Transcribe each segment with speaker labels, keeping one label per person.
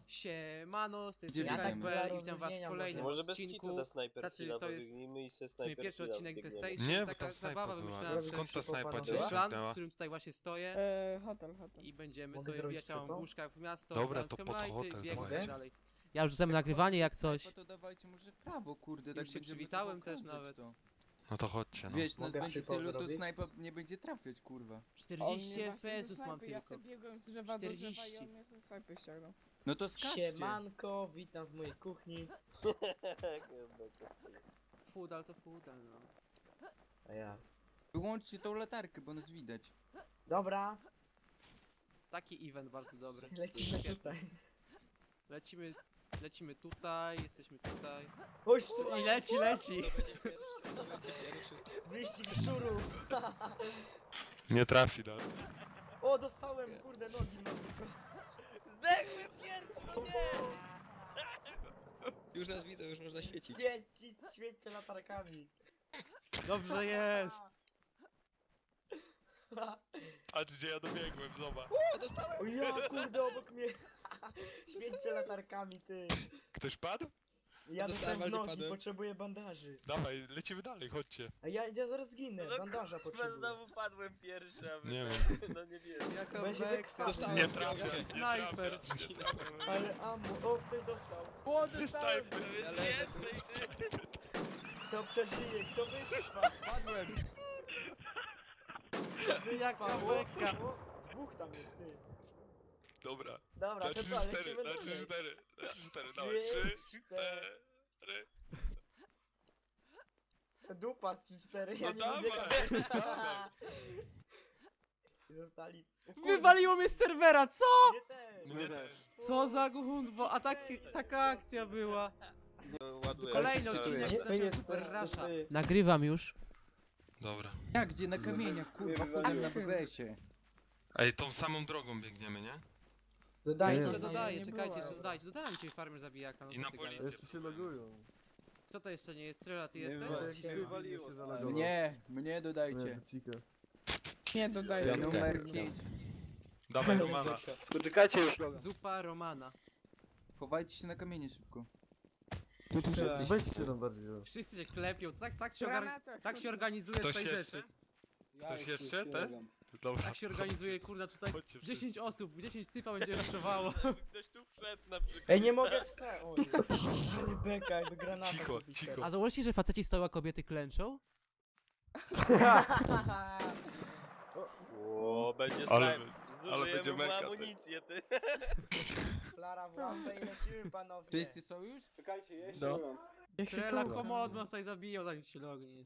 Speaker 1: Siemano, z tej
Speaker 2: Gdzie
Speaker 1: strony
Speaker 2: biegniemy?
Speaker 1: Kajper i witam was w kolejnym
Speaker 3: Może bez kitu
Speaker 1: odcinku.
Speaker 3: na Sniper
Speaker 1: Znaczy,
Speaker 3: Killa
Speaker 1: to jest
Speaker 3: pobiegnijmy i se
Speaker 1: w sumie
Speaker 3: Sniper
Speaker 1: pierwszy
Speaker 3: Killa
Speaker 1: odcinek
Speaker 3: biegniemy.
Speaker 1: Festation,
Speaker 4: Nie, bo
Speaker 1: taka
Speaker 4: tam snajpa
Speaker 1: zabawa
Speaker 4: była.
Speaker 1: wymyślona
Speaker 4: Skąd ta
Speaker 1: przez
Speaker 4: snajpa
Speaker 1: plan, w
Speaker 4: działa?
Speaker 1: którym tutaj właśnie stoję.
Speaker 5: Hotel.
Speaker 1: I będziemy
Speaker 3: Mogę
Speaker 1: sobie
Speaker 3: zrobić
Speaker 1: wbijać całą
Speaker 3: szybko?
Speaker 1: buszkę w miasto,
Speaker 4: Dobra,
Speaker 1: rzucając
Speaker 4: to po to
Speaker 1: Kemlighty,
Speaker 4: hotel
Speaker 1: biegać
Speaker 4: dawaj.
Speaker 1: i dalej. Ja już rzucam nagrywanie jak coś.
Speaker 2: To dawajcie może w prawo, kurde,
Speaker 1: Już
Speaker 2: tak
Speaker 1: się
Speaker 2: będziemy
Speaker 1: przywitałem
Speaker 2: tylko
Speaker 1: też
Speaker 2: krążyć
Speaker 1: nawet.
Speaker 2: to.
Speaker 4: No to chodźcie, no.
Speaker 2: Wiesz, nas
Speaker 3: Mogę
Speaker 2: będzie
Speaker 3: przypał
Speaker 2: tylu, to
Speaker 3: zrobić?
Speaker 2: snajpa nie będzie trafiać, kurwa.
Speaker 1: 40 FPS-ów mam
Speaker 5: Ja
Speaker 1: tylko.
Speaker 5: sobie biegłem z drzewa do drzewa
Speaker 1: 40.
Speaker 5: i on mnie ten snajpy ściągnął.
Speaker 2: No to skaczcie.
Speaker 3: Siemanko, witam w mojej kuchni.
Speaker 1: Fudal to fudal, no.
Speaker 3: A ja.
Speaker 2: Wyłączcie tą latarkę, bo nas widać.
Speaker 3: Dobra,
Speaker 1: Taki event bardzo dobry.
Speaker 3: lecimy tutaj.
Speaker 1: Lecimy tutaj, jesteśmy tutaj.
Speaker 3: Oj,
Speaker 1: I leci!
Speaker 3: wyścig szczurów.
Speaker 4: Nie trafi, no.
Speaker 3: O, dostałem, kurde, nogi mam tylko. Zdechłem pierwszy, no nie!
Speaker 6: Już nas widzę, już można świecić.
Speaker 3: Świećcie latarkami.
Speaker 1: Dobrze jest!
Speaker 4: Patrz gdzie ja dobiegłem, zobacz.
Speaker 3: O ja, kurde, obok mnie. Świećcie latarkami, ty.
Speaker 4: Ktoś padł?
Speaker 3: Ja dostałem w
Speaker 6: Dostałem,
Speaker 3: nogi,
Speaker 6: padłem.
Speaker 3: potrzebuję bandaży.
Speaker 4: Dawaj, lecimy dalej, chodźcie.
Speaker 3: A ja zaraz zginę, bandaża potrzebuję.
Speaker 7: Znowu padłem pierwszy, a wy
Speaker 4: Nie
Speaker 7: tak, no nie wiem.
Speaker 1: Jaka
Speaker 3: Bo ja się
Speaker 1: beka!
Speaker 3: wykrwawię.
Speaker 4: Nie trafia, nie
Speaker 1: Snajper.
Speaker 4: trafia, nie trafia.
Speaker 3: Ale ammo, o, ktoś dostał.
Speaker 2: O, dostałem!
Speaker 3: Kto przeżyje, kto wytrwa?
Speaker 2: Padłem!
Speaker 1: Jaka
Speaker 3: Wytrwa,
Speaker 1: beka!
Speaker 3: o, dwóch tam jest, ty.
Speaker 4: Dobra.
Speaker 3: Dobra,
Speaker 4: Na
Speaker 3: to
Speaker 4: 3,
Speaker 3: co,
Speaker 4: 4,
Speaker 3: lecimy
Speaker 4: na 3,
Speaker 3: dalej.
Speaker 4: 4, na 3, 4,
Speaker 3: Trzy,
Speaker 4: dawaj. 3,
Speaker 3: cztery.
Speaker 4: 4.
Speaker 3: Dupa z 3-4, ja
Speaker 4: No
Speaker 3: nie
Speaker 4: dawaj,
Speaker 3: lubię
Speaker 4: dawaj.
Speaker 3: Zostali. O kurde,
Speaker 1: Wywaliło mnie z serwera, co?!
Speaker 3: Nie też.
Speaker 4: Mnie też.
Speaker 1: Co za gundwo, a taka akcja była.
Speaker 7: Ładuję.
Speaker 1: Kolejny
Speaker 7: Cały
Speaker 1: odcinek
Speaker 7: czas.
Speaker 3: Nie,
Speaker 1: z
Speaker 3: to jest
Speaker 1: Super
Speaker 3: bez
Speaker 1: Rasha.
Speaker 3: sypy.
Speaker 1: Nagrywam już.
Speaker 4: Dobra.
Speaker 2: Jak, gdzie? Na kamieniach, kurwa, wchodem na BBS-ie.
Speaker 4: Ej, tą samą drogą biegniemy, nie?
Speaker 3: Dodajcie,
Speaker 1: Jeszcze
Speaker 5: nie,
Speaker 1: dodaję,
Speaker 5: nie
Speaker 1: czekajcie,
Speaker 5: było.
Speaker 1: jeszcze dodajcie. Dodałem ci farmer zabijaka, no
Speaker 4: I
Speaker 1: co
Speaker 4: na
Speaker 1: ty
Speaker 4: policję.
Speaker 1: gadasz?
Speaker 8: Jeszcze się logują.
Speaker 1: Kto to jeszcze nie jest? Strela, ty
Speaker 8: Nie
Speaker 1: jesteś?
Speaker 8: wiem, jakiś
Speaker 3: się
Speaker 8: debil
Speaker 3: wywaliło,
Speaker 8: się
Speaker 3: tak.
Speaker 8: zalogował.
Speaker 2: Mnie dodajcie.
Speaker 8: Nie, Cika.
Speaker 5: Nie dodaję.
Speaker 2: Numer 5.
Speaker 4: Dawaj Romana.
Speaker 7: Poczekajcie już.
Speaker 1: Zupa Romana.
Speaker 2: Chowajcie się na kamienie szybko.
Speaker 8: Wejdźcie tam bardziej. no.
Speaker 1: Wszyscy się klepią,
Speaker 5: Granata,
Speaker 1: tak się organizuje
Speaker 4: Ktoś
Speaker 1: tutaj
Speaker 4: jeszcze?
Speaker 1: rzeczy.
Speaker 4: Ktoś jeszcze? Te? Dobra.
Speaker 1: Tak się organizuje, kurna, tutaj
Speaker 4: Chodźcie
Speaker 1: 10 osób, 10 typa będzie raszowało.
Speaker 7: Ktoś tu wszedł na przykład.
Speaker 3: Ej, nie mogę wstać. Oj, ale beka, jakby granata.
Speaker 4: Cicho,
Speaker 3: kupić
Speaker 4: cicho.
Speaker 3: teraz.
Speaker 1: A założycie, że faceci stoją, a kobiety klęczą?
Speaker 7: O, będzie
Speaker 4: Ale-
Speaker 7: snajp.
Speaker 4: ale będzie
Speaker 7: Zużyjemy mu
Speaker 4: meka, ty.
Speaker 7: amunicję, ty.
Speaker 3: Flara w łapę i lecimy, panowie.
Speaker 2: Wszyscy są już?
Speaker 3: Czekajcie, jeszcze.
Speaker 8: No.
Speaker 1: Trela komodno, tutaj zabiją, tak się logniesz.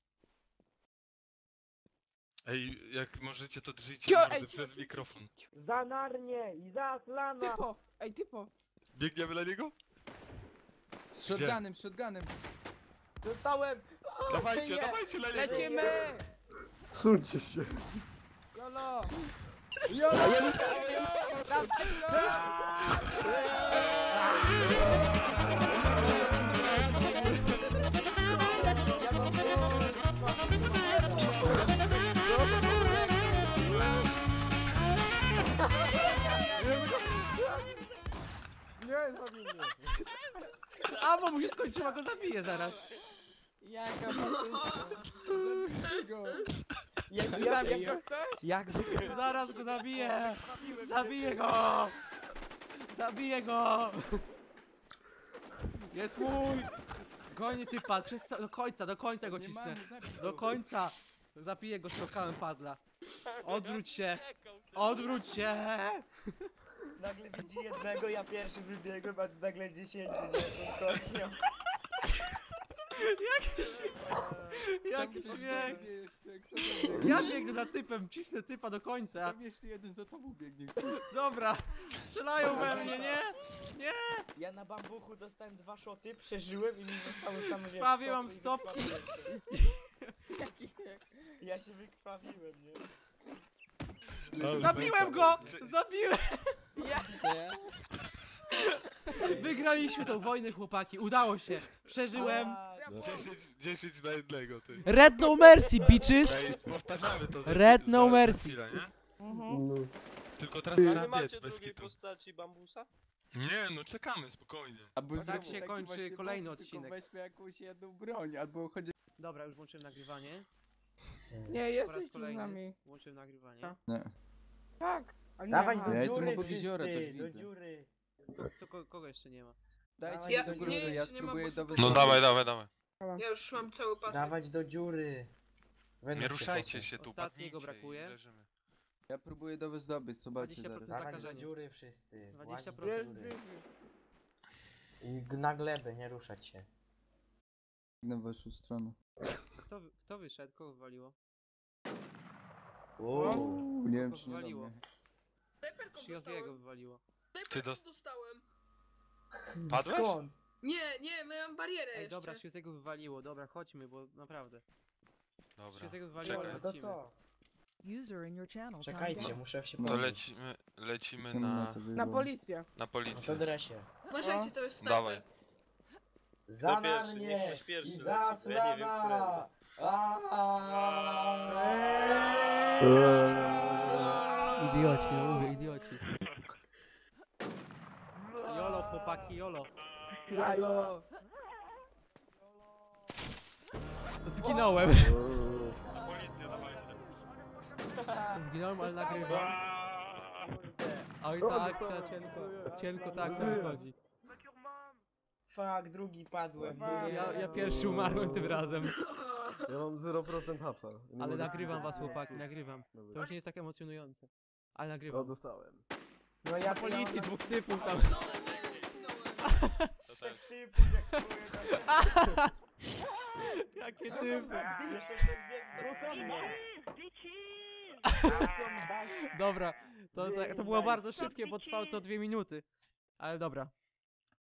Speaker 4: Ej, jak możecie to drżyjcie
Speaker 5: Cio,
Speaker 4: mordy
Speaker 5: ej,
Speaker 4: przez
Speaker 5: cio,
Speaker 4: mikrofon.
Speaker 3: Za narnie i za slana.
Speaker 5: Typo! Ej, typo!
Speaker 4: Biegniemy na niego?
Speaker 2: Z shotgunem, z shotgunem.
Speaker 3: Dostałem.
Speaker 4: Dawajcie,
Speaker 3: nie.
Speaker 4: dawajcie na niego!
Speaker 5: Lecimy!
Speaker 8: Suńcie się.
Speaker 5: Jolo!
Speaker 2: Jolo!
Speaker 8: Nie, zabij mnie.
Speaker 1: A, bo mu się skończyła, go zabiję zaraz.
Speaker 5: Jaka pasynka!
Speaker 2: Zabijcie go!
Speaker 5: Zabił ktoś?
Speaker 3: Jak wy...
Speaker 1: Zaraz go zabiję! Zabiję go! Zabiję go! Jest mój! Goni typa, do końca go
Speaker 2: Nie
Speaker 1: cisnę.
Speaker 2: mamy, zabij
Speaker 1: Do
Speaker 2: go.
Speaker 1: końca! Zabiję go strzałkałem padla. Odwróć się! Odwróć się!
Speaker 3: Nagle widzi jednego, ja pierwszy wybiegłem, a nagle 10, nie? To kośnią.
Speaker 1: Jaki
Speaker 2: Tam ktoś
Speaker 1: śmiech!
Speaker 2: biegnie jeszcze, kto tam biegnie?
Speaker 1: Ja biegnę za typem, cisnę typa do końca.
Speaker 2: Tam jeszcze jeden za tobą biegnie.
Speaker 1: Dobra, strzelają we mnie, nie? Nie!
Speaker 3: Ja na bambuchu dostałem 2 szoty, przeżyłem i mi zostały same wiesz,
Speaker 1: Krwawie mam
Speaker 3: stopy i
Speaker 1: stopki.
Speaker 3: wykrwawiłem się. Ja się wykrwawiłem, nie?
Speaker 1: Zabiłem go! Zabiłem! Wygraliśmy tą wojnę, chłopaki, udało się. Przeżyłem.
Speaker 3: A,
Speaker 4: 10 na jednego, ty.
Speaker 1: Red no mercy, bitches!
Speaker 4: Ej, powtarzamy to.
Speaker 1: Red no
Speaker 4: za
Speaker 1: mercy.
Speaker 4: chwilę, nie?
Speaker 8: No.
Speaker 4: Tylko teraz
Speaker 7: A nie
Speaker 4: trzeba biec
Speaker 7: macie
Speaker 4: bez
Speaker 7: drugiej
Speaker 4: kitu.
Speaker 7: postaci bambusa?
Speaker 4: Nie, no czekamy, spokojnie.
Speaker 2: Albo
Speaker 1: Tak
Speaker 2: zrób
Speaker 1: się
Speaker 2: taki
Speaker 1: kończy
Speaker 2: właśnie
Speaker 1: kolejny
Speaker 2: motyw,
Speaker 1: odcinek.
Speaker 2: Tylko weźmy jakąś jedną broń, albo chodzi...
Speaker 1: Dobra, już włączyłem nagrywanie.
Speaker 5: Nie,
Speaker 1: Po raz
Speaker 5: jesteś tu z
Speaker 1: kolejny
Speaker 5: nami.
Speaker 1: włączyłem nagrywanie.
Speaker 2: Nie.
Speaker 5: Tak. A nie
Speaker 3: Dawać
Speaker 5: ma.
Speaker 3: do
Speaker 2: Ja jestem
Speaker 3: dziury
Speaker 2: obok jeziora,
Speaker 3: wszyscy,
Speaker 2: też
Speaker 3: do
Speaker 2: widzę.
Speaker 3: dziury.
Speaker 1: To kogo jeszcze nie ma?
Speaker 2: Dajcie
Speaker 3: Ja-
Speaker 2: mi do
Speaker 3: nie,
Speaker 2: góry, ja
Speaker 9: jeszcze nie ma,
Speaker 2: spróbuję
Speaker 9: bo
Speaker 2: do was...
Speaker 4: No dawaj, dawaj, dawaj.
Speaker 9: Ja już mam cały pas.
Speaker 3: Dawać do dziury. Weź
Speaker 4: Nie
Speaker 3: się
Speaker 4: ruszajcie
Speaker 3: posuń.
Speaker 4: się tu,
Speaker 1: Ostatniego
Speaker 4: padnijcie
Speaker 1: brakuje.
Speaker 4: i leżymy.
Speaker 2: Ja próbuję do was dobyć, zobaczcie
Speaker 1: 20%
Speaker 2: zaraz.
Speaker 3: Dawać do
Speaker 1: zakażenie.
Speaker 3: dziury wszyscy.
Speaker 1: 20%.
Speaker 3: Łazić do
Speaker 5: Jest,
Speaker 3: dziury.
Speaker 5: jest.
Speaker 3: I na glebę, nie ruszać się.
Speaker 2: Na waszą stronę.
Speaker 1: Kto wyszedł? Kogo wywaliło?
Speaker 3: Uuu.
Speaker 2: Nie wiem,
Speaker 1: Kogo
Speaker 2: czy nie do
Speaker 1: wywaliło?
Speaker 2: mnie.
Speaker 9: Snajperką
Speaker 1: Shiozziego
Speaker 9: dostałem.
Speaker 1: wywaliło.
Speaker 9: Snajperką dostałem.
Speaker 4: Padłeś?
Speaker 3: Skąd?
Speaker 9: Nie, miałem barierę
Speaker 1: Ej,
Speaker 9: jeszcze.
Speaker 1: dobra, Shiozziego wywaliło. Dobra, chodźmy, bo naprawdę.
Speaker 4: Dobra.
Speaker 1: Shiozziego wywaliło,
Speaker 3: No
Speaker 1: ale
Speaker 3: to
Speaker 1: lecimy.
Speaker 3: co?
Speaker 10: User in your channel.
Speaker 3: Czekajcie, muszę się
Speaker 2: No.
Speaker 4: To
Speaker 3: podnieść.
Speaker 4: lecimy
Speaker 2: Pisałem
Speaker 4: na,
Speaker 2: to
Speaker 5: Na
Speaker 2: wyjebałem.
Speaker 5: policję.
Speaker 4: na
Speaker 3: No
Speaker 4: policję.
Speaker 3: to dresie.
Speaker 9: Uważajcie, to jest
Speaker 4: Dawaj.
Speaker 9: snajper.
Speaker 3: Za
Speaker 7: pierwszy?
Speaker 3: mnie!
Speaker 7: Niech ktoś pierwszy
Speaker 3: I
Speaker 7: leci,
Speaker 3: za
Speaker 7: bo ja nie wiem,
Speaker 3: Slava!
Speaker 1: Idioci, no mówię, idioci. Jolo, chłopaki, jolo.
Speaker 5: Jajo.
Speaker 1: Zginąłem. Zginąłem, ale nagrywam. Oj
Speaker 8: O,
Speaker 1: tak,
Speaker 8: dostałem,
Speaker 1: cienko.
Speaker 8: dziękuję.
Speaker 1: Cienko tak sobie chodzi.
Speaker 3: Fuck, drugi padłem.
Speaker 1: Ja pierwszy umarłem tym razem.
Speaker 8: Ja mam 0% hapsa. Nie
Speaker 1: Ale
Speaker 8: mogę
Speaker 1: nagrywam
Speaker 8: skupić.
Speaker 1: was, chłopaki, nagrywam.
Speaker 8: Dobra.
Speaker 1: To już nie jest tak emocjonujące. Ale
Speaker 8: No
Speaker 1: nagrywam.
Speaker 8: dostałem.
Speaker 3: No ja
Speaker 1: Policji dwóch typów tam.
Speaker 4: To też.
Speaker 1: Jakie typy.
Speaker 3: Jeszcze ktoś biegnie.
Speaker 1: Dobra, to było bardzo szybkie, bo trwało to 2 minuty. Ale dobra.